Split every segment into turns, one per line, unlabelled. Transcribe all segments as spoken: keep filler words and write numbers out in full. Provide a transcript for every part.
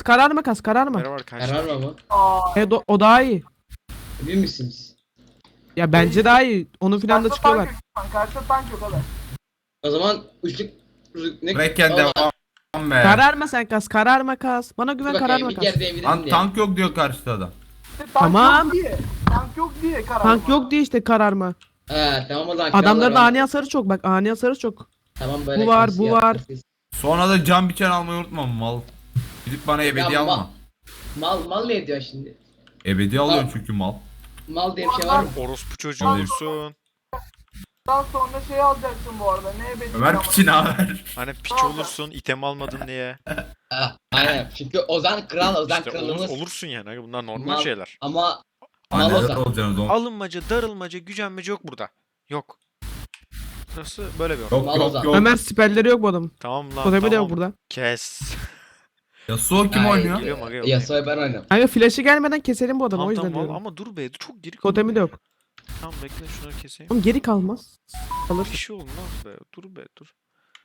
karar makas kararma.
Merhaba arkadaşlar.
Karar mı?
Aa.
Evet o, o daha iyi.
Emin misiniz?
Ya bence daha iyi. Onu filan da
Karşıda
çıkıyorlar.
tank yok. Karşıda tank yok abi.
O zaman üçlük... Ne?
Brekken
Aa,
devam be.
Kararma sen kas kararma kas. Bana
dur
güven
bakayım,
kararma
bir
kas.
yerde evinim
Lan
diye.
tank yok diyor karşıda adam.
İşte tank
Tamam.
yok diye. Tank yok diye karar.
Tank yok diye işte kararma.
He tamam o zaman.
Adamların
krallar
ani hasarı çok bak ani hasarı çok.
Tamam böyle.
Bu var,
klasik
bu
yaptık
var.
biz.
Sonra da cam biçen almayı unutma mal. Gidip bana ebedi
Ya,
alma.
mal, mal mal ne ediyor şimdi?
Ebedi alıyorsun çünkü mal.
Mal diye bir şey var mı?
Orospu çocuğu olursun.
Daha sonra şey alacaksın bu arada. Ne ebedi
Ömer
ama.
piçini haber.
Hani piç olursun, item almadın diye.
Ha, aynen. Çünkü Ozan kral, Ozan
İşte
kralımız.
olur, olursun yani. Aga bunlar normal
Mal-
şeyler.
Ama mal
Anneler
Ozan.
olacaksınız oğlum.
Alınmaca, darılmaca, gücenmece yok burada. Yok. Burası böyle bir ortam.
Yok
Mal
yok
Ozan.
yok.
Ömer siperleri yok bu adamın.
Tamam lan
Totemi de
tamam.
yok burada.
Kes.
Yasuo kim
Ay,
oynuyor?
Geliyorum aga yok.
Yasuo'yu ben oynarım.
Kanka flash'ı gelmeden keselim bu adamı o
Tamam
yüzden
tamam al-
diyorum.
ama dur be çok geri kal.
Totemi de yok.
Tamam bekle şunu keseyim.
Oğlum geri kalmaz. Kalır.
Bir şey olmaz be. Dur be dur.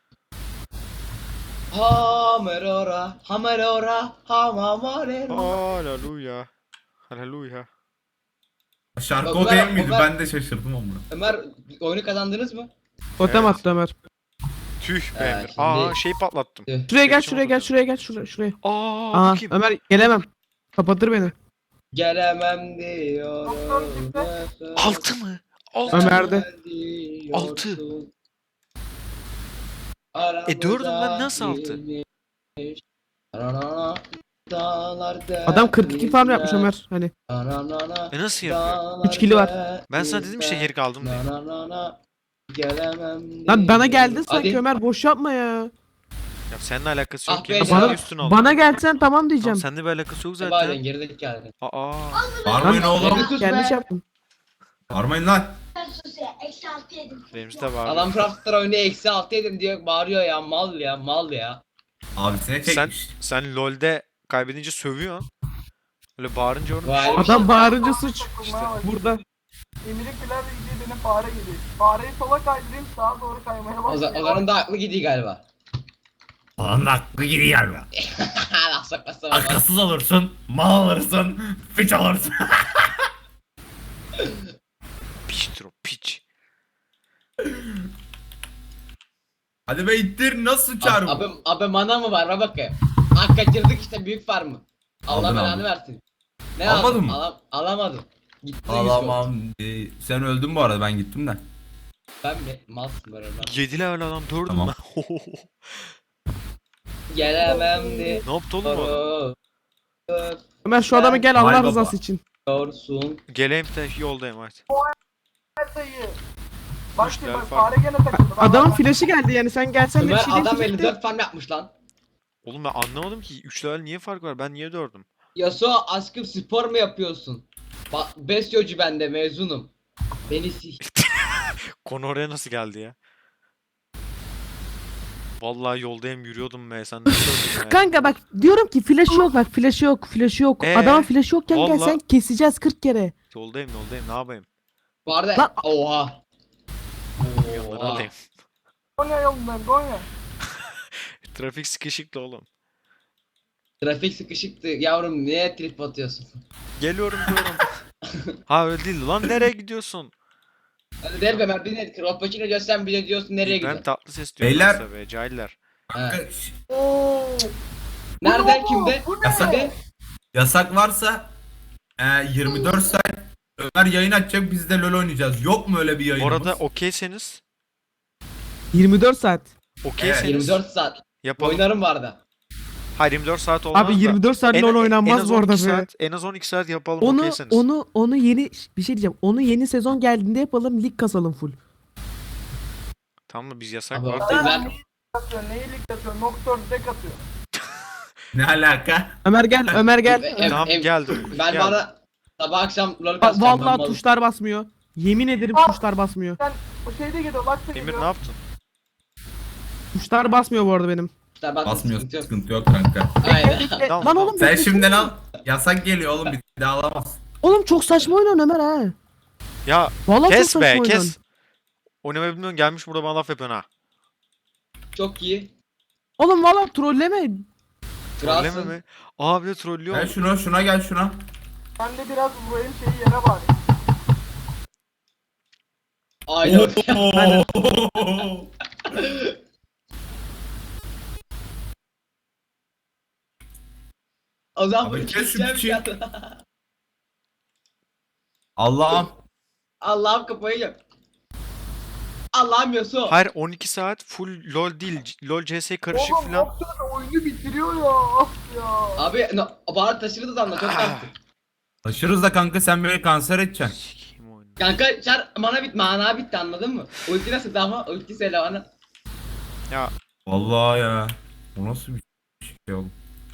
Hamerora, hamerora, hamamarera.
Haleluya. Haleluya.
Şarkı
Ömer-
o değil miydi?
Ömer-
Ben de şaşırdım ama.
Ömer oyunu kazandınız mı?
Totem
Evet.
attı Ömer.
Tüh be
Ee,
Emir.
şimdi-
Aa şey patlattım.
Tüh.
Şuraya gel
Geçim
şuraya gel
oldu.
şuraya gel şuraya şuraya.
Aa
Aa
bakayım.
Ömer gelemem. Kapatır beni.
Gelemem diyorum.
Altı mı? Altı
Ömer-
mı?
Ömer'de.
Altı. E, dördüm ben, nasıl altı?
Adam kırk iki farm yapmış Ömer. Hani
E nasıl yapıyor?
Üç kili var.
Ben sana dedim işte geri kaldım diye.
Gelemem
lan bana geldin
Hadi.
sanki Ömer boş yapma ya.
Ya seninle alakası yok
Ah
ki.
be,
Bana
Bana,
üstüne al.
bana gelsen tamam
Tamam,
diyeceğim.
seninle bir alakası yok
Zaten
zaten.
geridik yani.
Aa.
Bağırmayın oğlum.
Sus
Yanlış
be.
yaptım.
Bağırmayın lan.
Benim de var.
Adam Craft'lar oyunu eksi altı yedim diyor bağırıyor ya mal ya mal ya.
Abisine
Sen
çekmiş.
sen LoL'de kaybedince sövüyorsun. Öyle bağırınca onu
Vay.
Adam bağırınca suç.
İşte
Burada.
Emir'in filan ilgili benim fare gibi. Fareyi sola kaydırayım sağa doğru kaymaya
Ozan,
başlıyor.
Ozan'ın da aklı gidiyor galiba.
Lan hakkı gidiyor galiba.
Laf sokmasa bak.
Akılsız olursun, mal alırsın, piç alırsın.
piçtir o piç.
Hadi be ittir nasıl sıçar bu?
Abi, abi mana mı var bak bakayım. Hak kaçırdık işte büyük farmı. Allah
Aldın,
belanı
aldın.
versin. Ne
Almadın
aldın?
mı?
Alam, alamadım. Gitti
Alamam. Ee, sen öldün bu arada ben gittim de.
Ben mi? Malsın böyle lan.
Yedi level adam dördüm
Tamam.
ben.
Gelemem de.
Ne yaptı oğlum o?
Ömer şu adamı gel Allah
Vay baba.
rızası için.
Diyorsun.
Geleyim de yoldayım hadi.
Dayı. Bak
Üç
ki
level
bak
fark.
fare gene takıldı. Bak,
Adamın
bak.
flash'ı geldi yani sen gelsen de bir
Ömer
şey
adam
değişecekti.
elli dört farm yapmış lan.
Oğlum ben anlamadım ki üç level niye fark var? Ben niye dördüm?
Yasuo aşkım spor mu yapıyorsun? Bak besyocu ben de mezunum. Beni sik.
Konu oraya nasıl geldi ya? Vallahi yoldayım yürüyordum be sen nasıl öldün ya?
Kanka bak diyorum ki flash'ı yok bak flash'ı yok flash'ı yok.
Ee?
Adamın flash'ı yokken gel
Vallahi-
sen keseceğiz kırk kere.
Yoldayım yoldayım ne yapayım?
Bu arada
Lan-
oha.
Yanları
Oha.
alayım.
Gonya yolundan Gonya.
Trafik sıkışıktı oğlum.
Trafik sıkışıktı yavrum niye trip atıyorsun?
Geliyorum diyorum. Ha öyle değil lan nereye gidiyorsun?
Hadi der be Ömer bir ne Kropacino diyorsan bile diyorsun nereye
Ben
gidiyorsun?
tatlı ses diyorum
Beyler-
yoksa be cahiller.
Ha.
Şş,
Oo.
Nereden kimde?
Bu ne?
Yasak.
Kimde?
Yasak varsa e, yirmi dört saat Ömer yayın açacak biz de LoL oynayacağız. Yok mu öyle bir
Bu
yayınımız?
arada okeyseniz
yirmi dört saat.
okeyseniz
yirmi dört saat.
yapalım.
Oynarım bu arada.
Hayır yirmi dört saat olmaz
Abi
da.
yirmi dört saat
En-
LoL
en
oynanmaz
az
bu arada
on iki
be.
saat, en az on iki saat yapalım
Onu
okeyseniz.
onu onu yeni bir şey diyeceğim. Onu yeni sezon geldiğinde yapalım lig kasalım full.
Tamam mı biz yasak
Abi
var.
orada
Sen
ben
neyi atıyor? Neyi lig atıyor? Nocturne deck atıyor.
Ne alaka?
Ömer gel Ömer gel.
Em-
Tamam
em-
geldim.
ben
Gel.
bana sabah akşam lol
Bak,
kasacağım.
vallahi tuşlar basmıyor. Yemin ederim
Aa.
tuşlar basmıyor.
Sen o şeyde geliyor. Bak da
Emir
geliyor.
ne yaptın?
Tuşlar basmıyor bu arada benim.
Basmıyor sıkıntı yok kanka.
Aynen.
Tamam,
Lan oğlum
Sen
bekle.
şimdiden al. Yasak geliyor oğlum bir daha alamaz.
Oğlum çok saçma oynuyorsun Ömer ha.
Ya
Vallahi
kes
çok
be
saçma
kes.
oynuyorsun.
Oynamayı bilmiyorsun gelmiş burada bana laf yapıyorsun ha.
Çok iyi.
Oğlum vallahi trolleme.
Trolleme
Kralsın.
mi? Abi de trollüyor
Gel
mu?
şuna şuna gel şuna.
Ben de biraz vurayım şeyi yere bari.
Aynen.
Oo.
O zaman
Abi
bunu
kes şu
keseceğim
piçi.
ya.
Allah'ım.
Allah'ım kafayı yiyeceğim. Allah'ım Yasuo.
Hayır on iki saat full LoL değil. C- LoL C S karışık
Oğlum
filan.
Nocturne oyunu bitiriyor ya. Of ya.
Abi no, bari taşırız da anla çok tatlı.
Taşırız da kanka sen beni kanser edeceksin.
Sikeyim oyunu.
Kanka çar mana bit mana bitti anladın mı? Ulti nasıl ama ulti söyle bana.
Ya
Vallahi ya. Bu nasıl bir şey oğlum?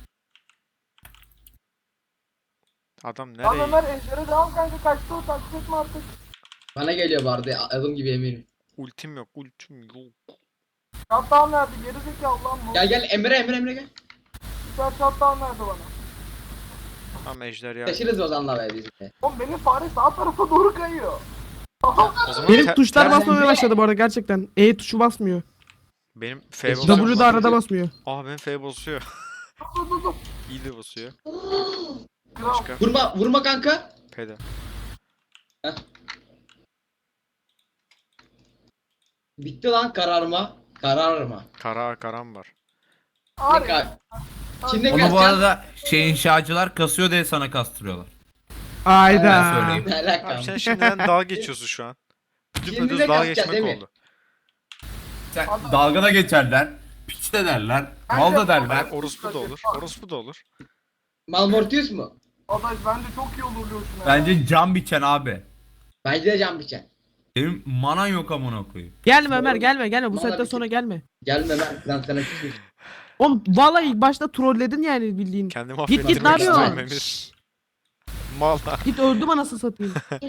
adam
Lan
nereye?
Ömer Ejder'e devam kanka kaçtı o takip etme artık.
Bana geliyor vardı adım gibi eminim.
Ultim yok, ultim yok.
Shutdown verdi geri zekalı lan bu.
Gel gel Emre Emre Emre gel.
Süper shutdown verdi bana.
Tam ejder ya.
Taşırız Ozan'la be biz de.
Oğlum benim fare sağ tarafa doğru kayıyor.
O zaman
Benim
te-
tuşlar
sen-
basmamaya başladı bu arada gerçekten. E tuşu basmıyor.
benim F
W
basıyor.
W da arada basmıyor.
Aa benim F basıyor.
Dur dur dur.
İyi de basıyor.
Kral.
Başka.
Vurma vurma kanka.
P'de.
Bitti lan kararma. Kararma.
Kara karam var.
Ne
Abi.
kar? Şimdi
Onu bu
kaçacağız.
arada şey inşacılar kasıyor diye sana kastırıyorlar. Ben
Ayda.
söyleyeyim.
Ne alaka?
Abi sen şimdiden dalga geçiyorsun şu an. Bütün
Şimdi
pödüz
de
dalga
kasacağız,
geçmek
değil mi?
oldu.
Sen dalga da geçerler. Piç de derler. Mal da derler.
Orospu da olur. Orospu da olur.
Malmortius mu?
Adaş bence çok iyi olur Lucian'a ya.
Bence can biçen abi.
Bence de can biçen.
Senin manan yok amına koyayım.
Gelme Ömer gelme gelme bu
Vallahi
saatten
bir-
sonra gelme.
Gelme lan lan sana küsmüş.
Oğlum vallahi ilk başta trolledin yani bildiğin.
Kendimi
Git git ne
affettirmek
yapıyorsun?
istiyorum Emir.
Şşş,
Mal.
Git öldüm anasını satayım.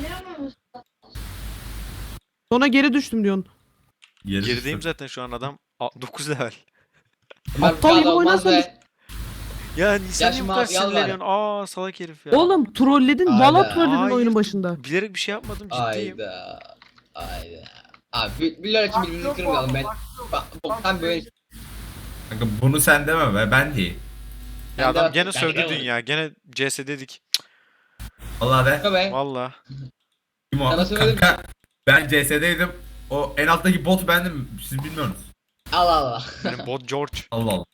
Sonra geri düştüm diyorsun.
Yeri
Gerideyim
düştüm.
zaten şu an adam dokuz level.
Ömer
Aptal
bu
gibi
kadar olmaz
oynarsan
be.
Ya Nisan niye bu
Yaşma
kadar
abi, yalvar.
sinirleniyorsun? Aa salak herif ya.
Oğlum trolledin.
Ayda.
Valla trolledin
Hayır,
oyunun başında.
Bilerek bir şey yapmadım ciddiyim.
Ayda. Ayda. Abi bir, bir lira için
Bak,
birbirimizi
yok
kırmayalım
oğlum,
ben.
bak, yok.
Bak boktan böyle.
Kanka bunu sen deme be ben değil.
Ya
Ben de
adam
bak-
gene
ben
sövdü
de-
dünya. Gene C S dedik.
Vallahi de.
Kanka be.
Valla.
Kim o?
Sana söyledim.
Kanka ben C S'deydim. O en alttaki bot bendim. Siz bilmiyorsunuz.
Allah Allah.
Benim bot George.
Allah Allah.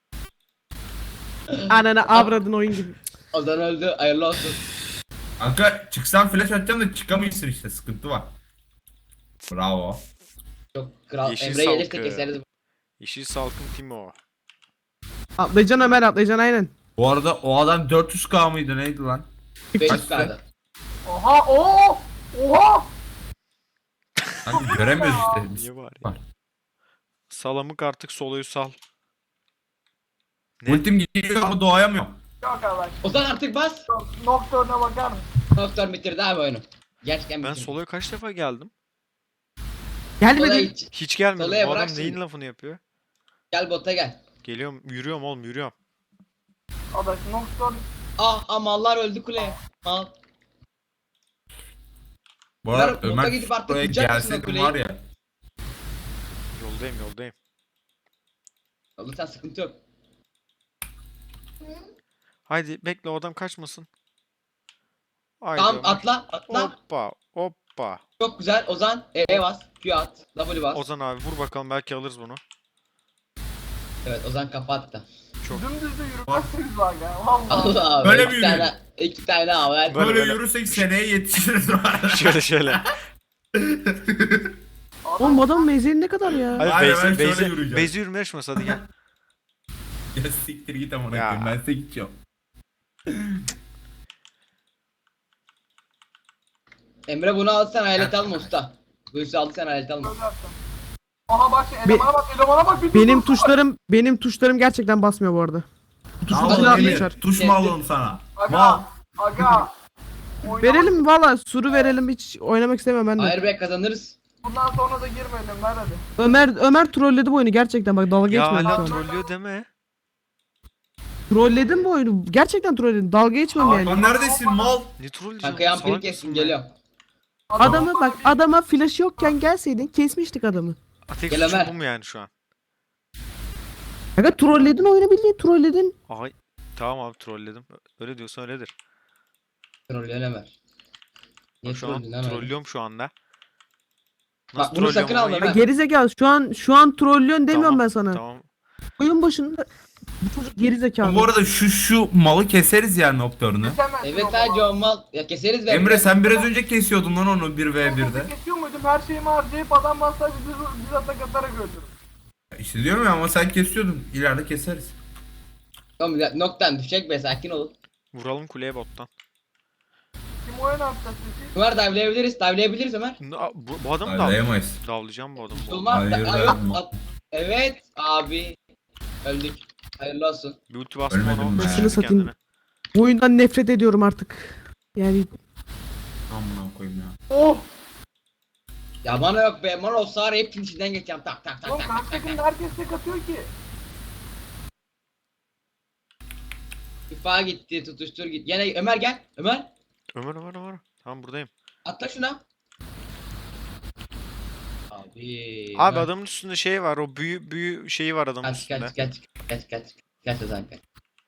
Ananı avradın oyun gibi.
Ozan öldü. Hayırlı olsun.
Kanka çıksan flash atacağım da çıkamıyorsun işte sıkıntı var. Bravo.
Çok kral.
Yeşil
Emre gelirse
salkı.
keseriz.
Yeşil Salkın Timo.
Atlayacaksın Ömer atlayacaksın aynen.
Bu arada o adam dört yüz K mıydı neydi lan?
beş
Kaçtı?
kaldı.
Oha ooo. Oha.
Kanka göremiyoruz işte biz.
Niye var ya?
Var.
Salamık artık soloyu sal. Ne?
Ultim gidiyor ama doğayamıyorum.
Yok arkadaş.
Ozan artık bas.
Nocturne'a bakar mısın?
Doktor bitirdi abi oyunu. Gerçekten
Ben
bitirdi.
soloya kaç defa geldim?
Solaya
Gelmedin.
hiç.
Hiç gelmedim.
Soloya
Bu adam
bırak
neyin
şimdi.
lafını yapıyor?
Gel bota gel.
Geliyorum, yürüyorum oğlum, yürüyorum.
Adaş Nocturne.
Ah ah mallar öldü kuleye. Mal.
Bu arada
Ömer, bota
Ömer
gidip artık
buraya
vuracak mısın o
gelseydim
kuleyi?
var ya.
Yoldayım, yoldayım.
Oğlum sen sıkıntı yok.
Haydi bekle, o adam kaçmasın. Haydi
Tamam
Ömer.
atla atla.
Hoppa, hoppa.
Çok güzel Ozan. E bas. Q at. W bas.
Ozan abi vur bakalım, belki alırız bunu.
Evet Ozan kafa attı.
Çok.
Dümdüz de yürümezsiniz bak ya. Vallahi.
Allah abi.
Böyle
iki
mi
tane, iki tane haber.
Böyle,
Böyle,
böyle.
yürürsek seneye yetişiriz var.
Şöyle şöyle.
Oğlum bu adamın mezeli ne kadar ya?
Hadi
Aynen, ben
Beyzi,
şöyle
Beyzi,
yürüyeceğim.
Beyzi yürüme yarışması, hadi gel.
Ya siktir git amına
Ya.
koyayım ben size gideceğim.
Emre bunu al sen hayalet alma usta. Bu işi al sen hayalet alma.
Söylersen. Aha bak şu elemana bak elemana bak. Bir
Benim
dur, dur.
tuşlarım benim tuşlarım gerçekten basmıyor bu arada. Tuşu
Tamam
tuşuna
Emir,
atmışlar.
tuş mu alalım sana? Mal.
Aga. Aga. Oynamak-
Verelim valla suru verelim hiç oynamak istemem ben de.
Hayır be kazanırız.
Bundan sonra da girmeyelim ver hadi.
Ömer Ömer trolledi bu oyunu gerçekten bak dalga
Ya
geçmedim şu
hala
an.
trollüyor deme.
Trolledim bu oyunu. Gerçekten trolledim. Dalga geçmem yani.
Lan neredesin mal?
Ne trolleyeceğim?
Kanka
oğlum,
yampiri
salak
kessin
mısın be?
geliyorum.
Adamı bak adama flash yokken gelseydin kesmiştik adamı.
Ha, tek
Gel
suçum
Ömer.
bu mu yani şu an?
Aga trolledin oyunu, bildiğin trolledin.
Ay tamam abi trolledim. Öyle diyorsan öyledir.
Trollüyorsun Ömer. Niye
Bak şu an
trollüyorsun lan öyle?
trollüyorum şu anda.
Bak bunu sakın
trollüyorum
alma
ama
Ömer.
Gerizekalı, şu an şu an trollüyorsun demiyorum
Tamam,
ben sana.
Tamam.
Oyun başında bu çocuk gerizekalı.
Bu arada şu şu malı keseriz yani noktalarını.
Kesemezsin
Evet
o
ha
zaman.
John Mal. Ya keseriz be.
Emre sen biraz önce kesiyordun lan onu bir ve birde.
Ben kesiyor muydum? Her şeyimi harcayıp adam masajı bir, bir atak atarak öldürürüm.
İşte diyorum ya ama sen kesiyordun. İleride keseriz.
Tamam ya, noktan düşecek be, sakin olun.
Vuralım kuleye bottan.
Kim oyun atacak peki?
Ömer dive'layabiliriz. Dive'layabiliriz Ömer.
Aa, Bu, bu adamı da
Dayayamayız.
davlayacağım bu adamı.
Olmaz.
Hayır,
Aa, yok,
yapma.
at- Evet abi. Öldük. Hayırlı olsun.
Bir ulti bastım
Ölmedim
ona.
be.
öldürdü
Şunu satayım.
kendini.
Bu oyundan nefret ediyorum artık. Yani
Amına koyayım ya.
Oh!
Ya bana yok be. Bana olsa var ya, hepsinin içinden geçeceğim. Tak tak tak
Oğlum
tak.
karşı takımda herkes tek atıyor ki.
İfa gitti. Tutuştur git. Yine Ömer gel. Ömer.
Ömer Ömer Ömer. Tamam buradayım.
Atla şuna. Abi.
Abi
Ömer.
adamın üstünde şey var. O büyü büyü şeyi var adamın
Kaç
üstünde.
kaç kaç kaç kaç kaç o zaman kaç.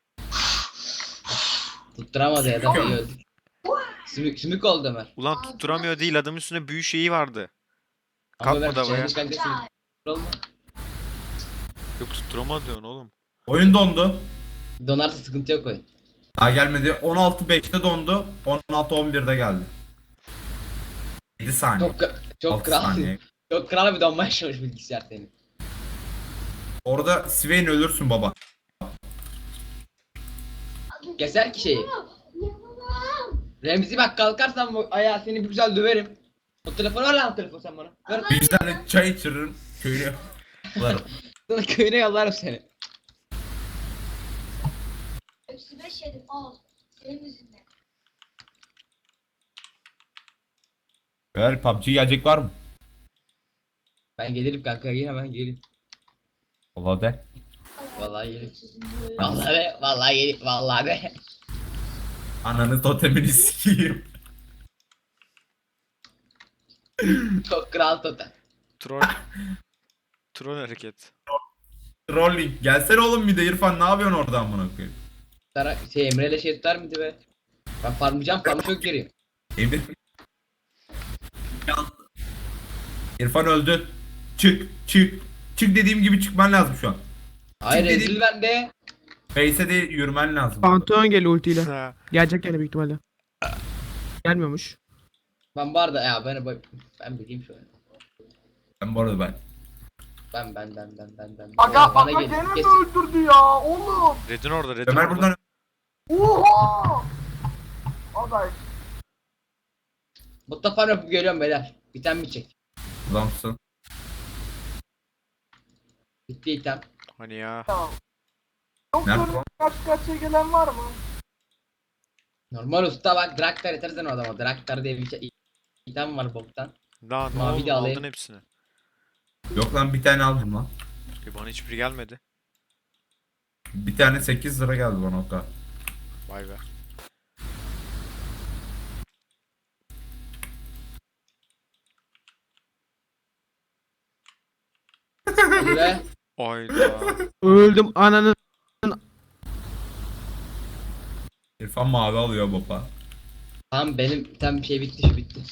Tutturamadı ya da iyi öldü. Sümük sümük oldu Ömer.
Ulan tutturamıyor değil, adamın üstünde büyü şeyi vardı.
Ama
Kalkmadı
Ömer,
havaya.
çevirmiş kanka sümük. Olma.
Yok tutturamadı diyorsun oğlum.
Oyun dondu.
Donarsa sıkıntı yok oyun.
Daha gelmedi. on altı beşte dondu. on altı on birde geldi. yedi saniye.
Çok çok
altı
kral.
saniye.
Çok kral bir donma yaşamış bilgisayar senin.
Orada Swain ölürsün baba.
Keser ki şeyi. Remzi bak, kalkarsan bu ayağı seni bir güzel döverim. O telefonu ver lan, o telefonu sen bana. Ver.
Bir tane çay içiririm. Köyüne. Ulan,
Sana köyüne yollarım seni.
Hepsi beş yedim al. Senin yüzünden.
Ver P U B G gelecek var mı?
Ben gelirim kanka, yine ben gelirim.
Valla de.
Vallahi gelirim. Vallahi de, vallahi gelirim, vallahi de.
Ananı totemini sikeyim.
Çok kral totem.
Troll. Troll hareket.
Rolling. Gelsene oğlum bir de İrfan, ne yapıyorsun orada amına koyayım?
Sana şey Emre'yle şey tutar mıydı be? Ben farmlayacağım, farmı çok geriyim.
Emir. İrfan öldü. Çık, çık. Çık dediğim gibi çıkman lazım şu an.
Hayır
Çünkü
rezil bende.
Face'e de yürümen lazım.
Pantheon geliyor ultiyle.
Ha.
Gelecek yani büyük ihtimalle. Gelmiyormuş.
Ben bu arada ya ben ben bileyim şu an.
Ben bu arada ben.
Ben ben ben ben ben ben.
Aga
Bana
aga
gelin,
gene mi
kesin.
öldürdü ya oğlum?
Red'in orada, Red'in
Ömer
orada.
buradan
Oha! Aday.
Botta farm yapıp geliyorum beyler. Biten mi çek?
adamsın.
Bitti item.
Hani ya.
Ya. Yok
Nerede
sorun,
o?
kaç kaçya gelen var mı?
Normal usta bak, Draktar yetersen o adama. Draktar diye bir şey item var boktan.
Daha ne
Mavi
oldu,
de alayım.
aldın hepsini.
Yok lan bir tane aldım lan.
E bana hiçbiri gelmedi.
Bir tane sekiz lira geldi bana o kadar.
Vay be.
Hadi be.
Ayda.
Öldüm ananı.
İrfan mavi alıyor baba.
Tamam benim item bir şey bitti, şu bitti.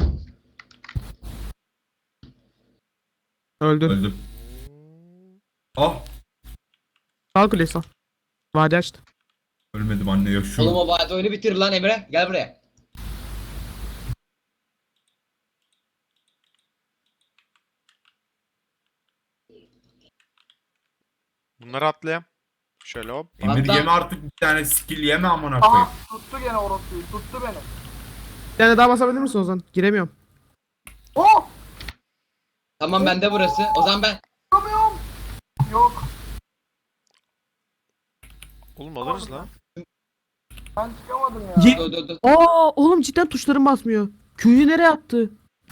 Öldü.
Öldüm. Ah.
Sağ kulesi. Vade açtı.
Ölmedim anne ya şu.
Oğlum o vade oyunu bitir lan Emre. Gel buraya.
Bunları atlayayım. Şöyle hop.
Emir
Hatta-
yeme artık bir tane skill yeme amına koyayım.
Aha tuttu gene orospuyu, tuttu beni.
Bir tane daha basabilir misin Ozan? Giremiyorum.
Oh!
Tamam bende burası. O zaman ben.
Çıkamıyorum. Yok,
Oğlum alırız lan.
ben çıkamadım ya.
Ye-
Dur dur dur.
Aa oğlum cidden tuşlarım basmıyor. Q'yu nereye attı?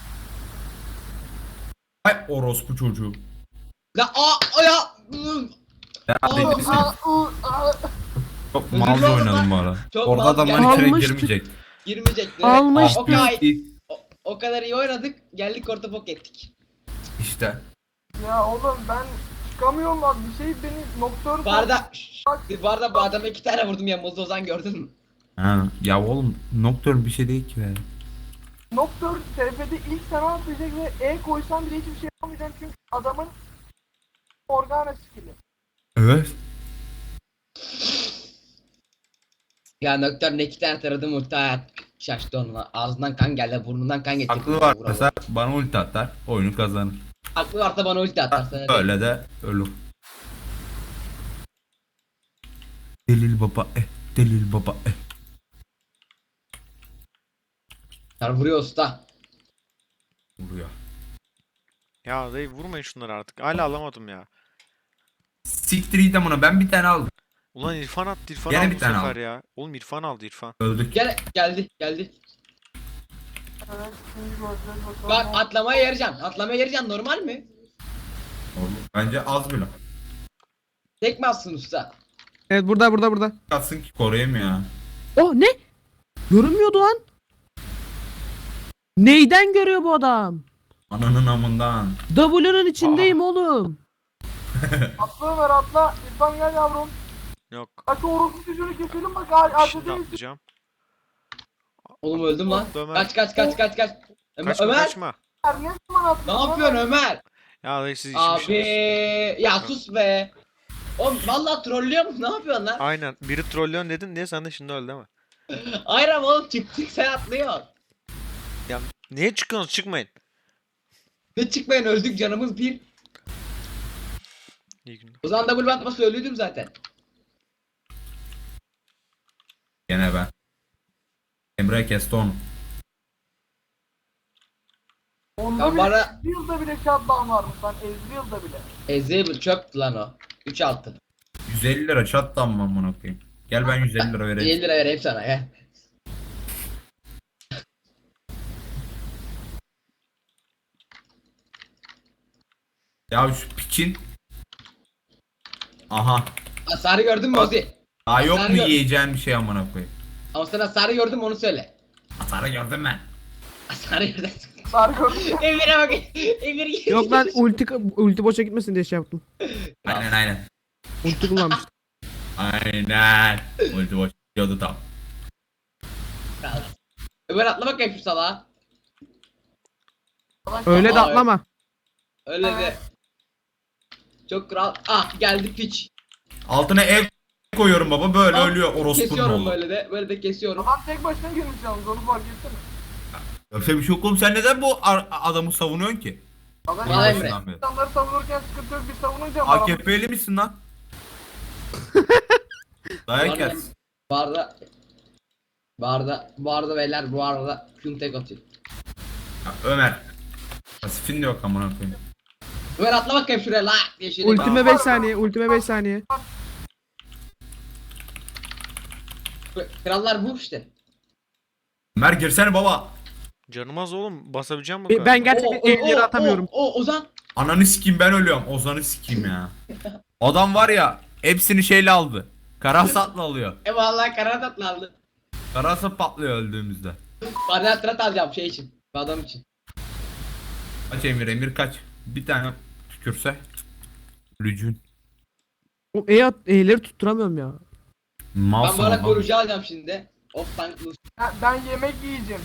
Ay orospu çocuğu.
La aa aa, ya. Iı.
Ya
Aa,
dedi sen.
Aa, ıı, aa.
Çok
Özür
malca
dilerim
oynadım
lan.
bu ara.
Çok
Orada
malca.
adamların içine
Almıştık.
girmeyecek.
Girmeyecekti.
Almıştık.
O kadar, o, o kadar iyi oynadık. Geldik orta pok ettik.
İşte.
Ya oğlum ben Çıkamıyorum lan bir şey beni Nocturne...
Bu arada, şşş, bu arada bu adama iki tane vurdum yanımızda Ozan gördün mü?
Ha, ya oğlum Nocturne bir şey değil ki be.
Nocturne T F'de ilk sana atlayacak ve E koysam bile hiçbir şey yapamayacağım çünkü adamın Morgana skill'i.
Evet.
Ya Nocturne iki tane taradım ulti hayat şaştı onunla. Ağzından kan geldi, burnundan kan geçti.
Aklı varsa bana ulti atar, oyunu kazanır.
Aklı varsa bana ulti atar sana. değil.
Öyle de ölür. Delil baba eh, delil baba eh.
Sen vuruyor usta.
Vuruyor.
Ya dayı vurmayın şunları artık. Hala alamadım ya.
Siktir git amına, ben bir tane aldım.
Ulan İrfan attı, İrfan
Gene
aldı
bir
bu
tane
sefer
aldı.
ya. Oğlum İrfan aldı, İrfan.
Öldük.
Gel geldi geldi.
Evet şimdi göreceğiz bakalım.
Bak atlamaya yarayacaksın. Atlamaya yarayacaksın normal mi?
Oğlum, bence az bile.
Tek mi atsın usta?
Evet burada burada burada.
Kalsın ki koruyayım ya.
Oh ne? Görünmüyordu lan. Neyden görüyor bu adam?
Ananın amından.
W'nun içindeyim oğlum.
Atla Ömer atla. İrfan gel yavrum.
Yok.
Hadi orospu çocuğunu keselim bak ar
Şimdi
arkadayız.
atlayacağım.
Oğlum öldüm lan.
Ömer.
Kaç kaç kaç kaç kaç. Ömer,
Kaçma
Ömer
kaçma.
Ne zaman
ne
atlıyorsun?
yapıyorsun Ömer?
Ya dayı siz
Abi
içmişsiniz.
ya sus be. Oğlum vallahi trollüyor musun? Ne yapıyorsun lan?
Aynen. Biri trollüyorsun dedin diye sen de şimdi öldü ama.
Hayır ama oğlum çıktık sen atlıyorsun.
Ya niye çıkıyorsunuz? Çıkmayın.
Ne çıkmayın öldük canımız bir.
İyi günler.
O zaman double atma söylüyordum zaten.
Gene ben. Emre kesti onu.
Onda
Ya
bile
bana
Ezreal'da bile shutdown varmış lan Ezreal'da bile.
Ezreal çöptü lan o. üç altın.
yüz elli lira çattan mı amına koyayım? Gel ben yüz elli lira vereyim.
elli lira vereyim sana ya.
Ya şu piçin. Aha.
Hasarı gördün mü Ozi?
Daha yok mu
Sarı gör-
yiyeceğin bir şey amına koyayım?
Ama sen hasarı gördün mü onu söyle.
Hasarı gördüm ben.
Hasarı gördün.
Sarı gördüm.
Emir'e bak. Emir
Yok lan ulti ulti boşa gitmesin diye şey yaptım.
Aynen aynen.
Ulti kullanmıştım.
Aynen. Ulti boş gidiyordu tam.
Ömer atla bakayım şu salağa.
Öyle de
Aa,
atlama.
Öyle de. Çok kral. Ah geldi piç.
Altına ev koyuyorum baba, böyle
Al,
ölüyor orospunun
Kesiyorum
oğlu.
böyle de. Böyle de kesiyorum.
Adam tek başına girmiş yalnız onu fark etsene.
Öyle bir şey yok oğlum, sen neden bu ar- adamı savunuyorsun ki?
Adam
Vay Emre.
Başından beri.
insanları savunurken sıkıntı yok bir savununca
A K P'li misin lan? Dayak
Var
yersin.
Bu arada. Bu arada. Bu arada beyler bu arada. Küm tek atıyor.
Ya Ömer. Pasifin de yok amına koyayım.
Ömer atla bakayım şuraya la diye şöyle.
Ultime beş saniye. Ultime beş saniye.
Krallar bu işte.
Ömer girsene baba.
Canım az oğlum. Basabileceğim mi?
E, Ben gerçekten elleri atamıyorum.
O, o Ozan.
Ananı sikeyim, ben ölüyorum. Ozan'ı sikeyim ya. Adam var ya, hepsini şeyle aldı. Karasatla alıyor.
E vallahi karar atlandı.
Karasat patlıyor öldüğümüzde.
Kvadratrat alacağım şey için. Bu adam için.
Kaç Emir, Emir kaç. Bir tane tükürse. Lücün.
O E at, E'leri tutturamıyorum ya.
Ben
Malsın
bana
oğlum.
koruyucu alacağım şimdi. Of tank Lucy.
Ben, ben yemek yiyeceğim.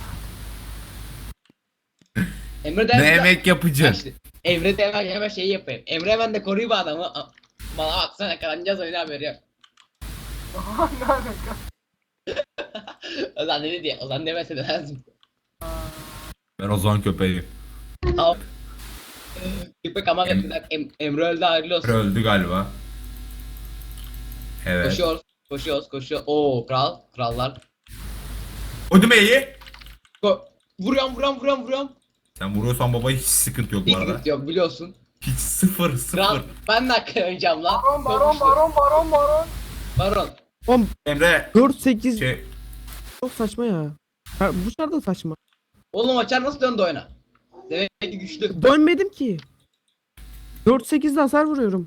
Emre de
Ne yemek yapacaksın?
İşte, Emre de hemen, hemen şey yapayım. Emre hemen de koruyayım bu adamı. A- Bana baksana kazanacağız oyunu haberi yok.
Ne alaka?
Ozan dedi diye. Ozan demese de lazım.
Ben Ozan köpeğim.
Tamam. Köpek ama
Em-
em em Emre öldü hayırlı olsun.
Öldü galiba. Evet.
Koşuyoruz. Koşuyoruz. Koşuyor. Oo kral. Krallar.
Ödüm iyi.
Ko vuruyorum vuruyorum vuruyorum vuruyorum.
Sen vuruyorsan baba hiç sıkıntı yok bu
Hiç
arada.
sıkıntı yok biliyorsun.
Hiç sıfır sıfır.
Kral ben de hakkı oynayacağım lan.
Baron baron baron baron baron.
Baron.
Oğlum
Emre
dört sekiz
şey
çok saçma ya. Ha, bu şarkı da saçma.
Oğlum açar nasıl döndü oyuna? Demek ki güçlü.
Dönmedim ki. dört sekizde hasar vuruyorum.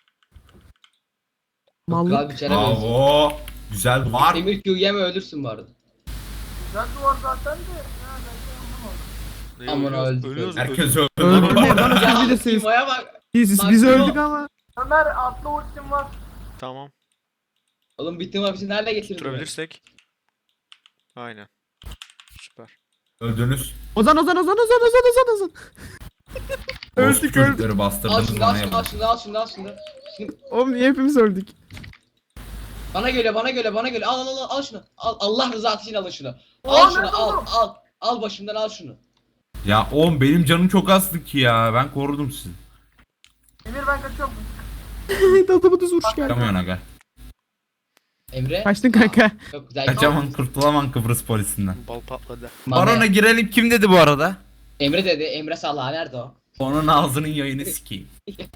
Kral
Mallık.
bir çare benziyor.
bravo. Güzel var.
Emir Q yeme ölürsün bu arada.
Güzel duvar zaten de. Ya ben de anlamadım.
Ne,
Aman
ölüyoruz,
öldük,
ölüyoruz,
Herkes öldü.
Öldürmeyin bana
Ya
siz bilirsiniz.
Timo'ya bak.
Biz,
Bak
biz
bu-
öldük ama.
Ömer atlı ultim var.
Tamam.
Oğlum bitti mi hapisi nerede getirdin?
Tutturabilirsek. Aynen. Süper.
Öldünüz.
Ozan Ozan Ozan Ozan Ozan Ozan Ozan.
Öldük
Öldük,
çocukları
Al
bastırdınız
şunu al
bana
şunu al
yapın.
şunu al şunu al şunu. Şunu-
Oğlum niye hepimiz öldük?
Bana göre bana göre bana göre al al al al şunu. Al Allah rızası için alın şunu.
Aa,
Al şunu
nerede
al
oğlum?
al. Al başımdan al şunu.
Ya oğlum benim canım çok azdı ki ya. Ben korudum sizi.
Emir ben kaçıyorum.
Adamı düz vuruş geldi.
Kaçamıyorsun aga.
Emre.
Kaçtın kanka.
Çok güzel.
Kaçamam, kurtulamam Kıbrıs polisinden.
Bal patladı.
Mane.
Barona girelim kim dedi bu arada?
Emre dedi. Emre Salah nerede o?
Onun ağzının yayını sikeyim.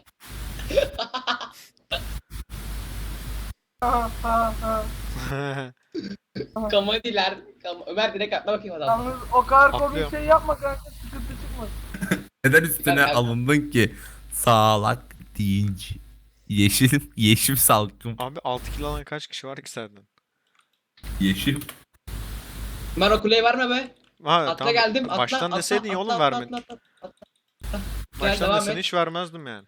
Ha ha ha.
Komediler. Kam Ömer direkt atla bakayım adam.
Yalnız o kadar komik
Atlıyorum.
şey yapma kanka, sıkıntı çıkmasın.
Neden üstüne
Ben- ben-
alındın ki? Sağlak deyince. Yeşil, yeşil salkım.
Abi altı kill alan kaç kişi var ki senden?
Yeşil.
Ömer o kuleyi verme be.
Ha,
Atla
tamam.
geldim. Atla,
Baştan
atla,
deseydin ya
atla,
oğlum
atla,
vermedin.
atla, atla, atla, atla. Gel,
Baştan
devam
desen
et.
hiç vermezdim yani.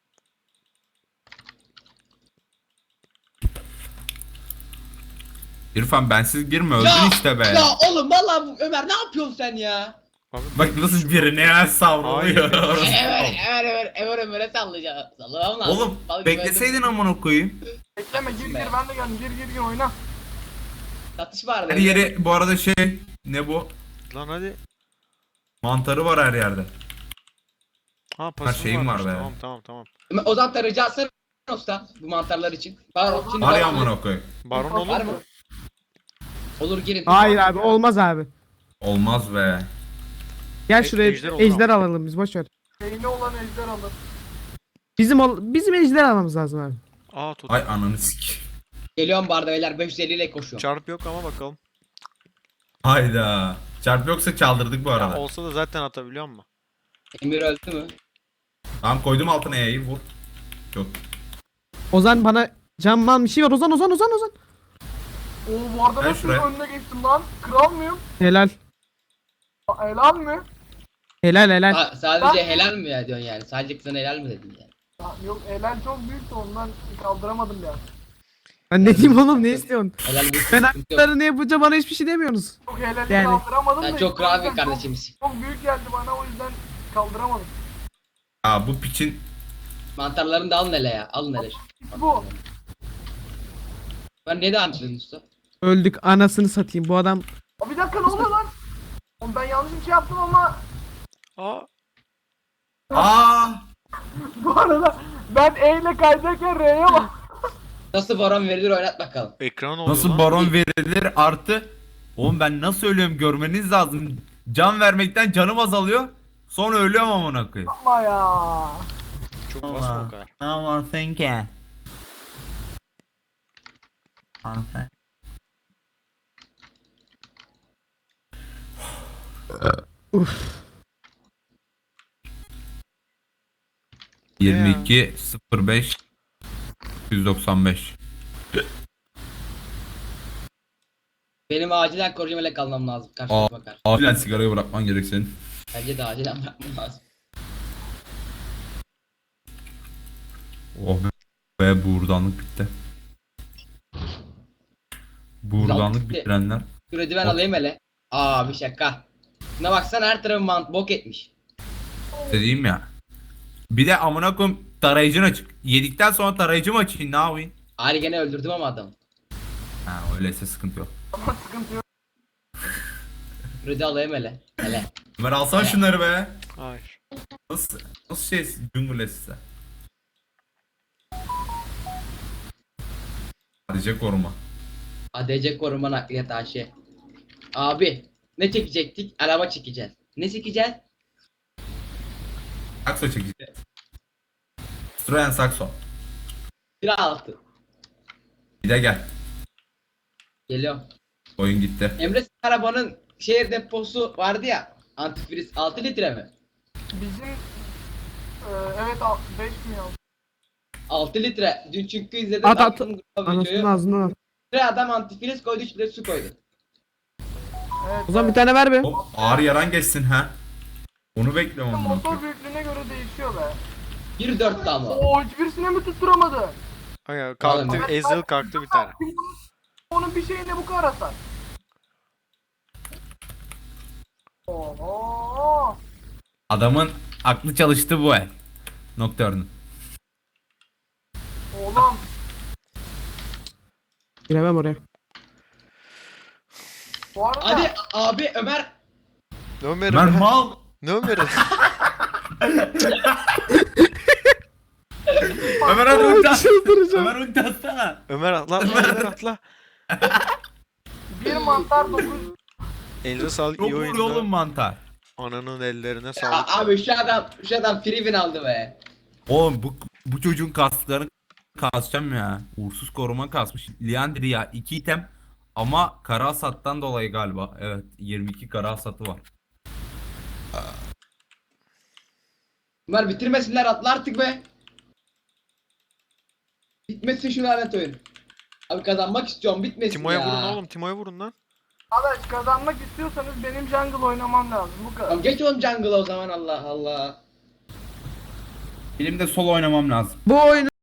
İrfan bensiz girme öldün
Ya,
işte be.
Ya oğlum vallahi bu- Ömer ne yapıyorsun sen ya?
Abi,
Bak nasıl birine ya savruluyor.
Ömer Ömer Ömer Ömer Ömer'e sallayacağım. Sallamam lazım.
Oğlum
Vallahi
bekleseydin
ben-
amına koyayım.
Bekleme, gir
Be.
gir, ben de geldim, gir gir gir oyna.
Satış vardı.
Her yeri bu arada şey ne bu?
lan hadi.
Mantarı var her yerde.
Ha pasifim
şeyim
varmış.
var be.
Tamam tamam tamam.
Ömer, o zaman tarayıcı atsana usta bu mantarlar için. Var şimdi
Var
var-
ya amına koyayım.
Baron
Var
olur
Var
mu?
mı? Olur girin.
Hayır abi olmaz abi.
Olmaz be.
Gel
E-
şuraya
ejder
ejder,
olur
alalım biz boş ver.
Beyni olan ejder alır.
Bizim ol bizim ejder almamız lazım abi.
Aa tut.
Ay ananı sik.
Geliyorum barda beyler beş yüz elli ile koşuyorum.
Çarp yok ama bakalım.
Hayda. Çarp yoksa çaldırdık bu
Ya
arada.
olsa da zaten atabiliyor mu?
Emir öldü mü?
Tamam koydum altına E'yi vur. Çok.
Ozan bana camman bir şey var. Ozan Ozan Ozan Ozan.
Oo, bu arada
Ben
nasıl
şuraya-
önüne geçtim lan? Kral mıyım?
Helal.
Aa, helal mi?
Helal helal.
Ha, sadece
Ben-
helal mi ya diyorsun yani? Sadece kızına helal mi dedin yani?
Ya, yok, helal çok büyüktü, ondan kaldıramadım ya.
Ben ne diyeyim oğlum ne istiyorsun?
Helal bir
Ben
sıkıntı yok.
haklarını yapınca bana hiçbir şey demiyorsunuz.
Çok helali
Yani-
kaldıramadım
Sen
da.
çok
işte
kral
o
bir
yüzden çok-
kardeşimiz.
Çok büyük geldi bana, o yüzden kaldıramadım.
Aa bu piçin
Mantarlarını da alın hele ya. Alın hele.
Bu.
Ben ne devam ediyorsun usta?
Öldük anasını satayım bu adam.
Aa, bir dakika, ne oluyor lan? Oğlum ben yanlış bir şey yaptım ama
Aa
Aa
bu arada ben E ile kaydırırken R'ye bak.
Nasıl baron verilir oynat bakalım.
ekran oluyor
nasıl
lan.
baron verilir artı. Oğlum ben nasıl ölüyorum görmeniz lazım. Can vermekten canım azalıyor. Sonra ölüyorum amına koyayım.
Yapma ya.
Çok basma o kadar.
Aman thinking. yirmi iki sıfır beş yüz doksan beş.
Benim acilen korucumayla kalmam lazım. Karşıma bakar.
Acilen sigarayı bırakman gerek senin.
Bence de acilen bırakmam lazım.
Oh be buğurdanlık bitti. Buğurdanlık
bitti.
bitirenler.
Kredi ben
Bok.
alayım hele. Aa bir şaka. Buna baksana her tarafı mant bok etmiş.
Dediğim ya. Bir de amına koyayım tarayıcın açık. Yedikten sonra tarayıcımı açayım ne yapayım?
Ari gene öldürdüm ama adamı.
Ha öyleyse sıkıntı yok.
Ama sıkıntı yok.
Kredi alayım hele. Hele.
Ömer alsana şunları be.
Hayır.
Nasıl, nasıl şey cüngüle size? Sadece koruma.
A D C koruma nakliyat A Ş. Abi ne çekecektik? Araba çekeceğiz. Ne çekeceğiz?
Sakso çekeceğiz. Citroen Sakso.
Bir altı.
Bir de gel.
Geliyorum.
Oyun gitti.
Emre senin arabanın şehir deposu vardı ya. Antifriz altı litre mi?
Bizim e, evet beş mi yazdı?
altı litre. Dün çünkü izledim.
At, at.
baktım gruba
Anasının
videoyu.
ağzından al.
Bir adam antifriz koydu üç litre su koydu.
Evet.
Ozan bir tane ver be.
Hop ağır yaran geçsin ha. Onu bekliyorum
evet.
amına
Motor
koyayım.
büyüklüğüne göre değişiyor be.
bir dörtte ama.
Oo hiçbirisine mi tutturamadı?
Ay, kalktı.
Oğlum.
Ezreal kalktı bir tane.
Onun bir şeyine bu kadar hasar. Oho.
Adamın aklı çalıştı bu el. Nocturne'un.
Oğlum.
Giremem oraya.
Bu arada
Hadi abi Ömer.
Ne Ömer?
Ben mal.
Ne Ömer?
Ömer hadi ulti at.
Çıldıracağım.
Ömer ulti atsana.
Ömer atla, atla, Ömer atla.
bir mantar dokuz.
Elinize sağlık,
Çok
iyi
vuruyor oğlum
oyundu.
mantar.
Ananın ellerine
A-
sağlık.
abi şu adam şu adam free win aldı be.
Oğlum bu, bu çocuğun kaslarını kasacağım ya. Uğursuz koruma kasmış. Liandry ya iki item ama kara hasattan dolayı galiba. Evet yirmi iki kara hasatı var.
Ömer bitirmesinler atla artık be. Bitmesin şu lanet oyun. Abi kazanmak istiyorum bitmesin
Timo'ya
ya.
vurun oğlum, Timo'ya vurun lan.
Arkadaş kazanmak istiyorsanız benim jungle oynamam lazım. Bu kadar.
Tamam geç oğlum jungle'a o zaman Allah Allah.
Benim de solo oynamam lazım.
Bu oyunu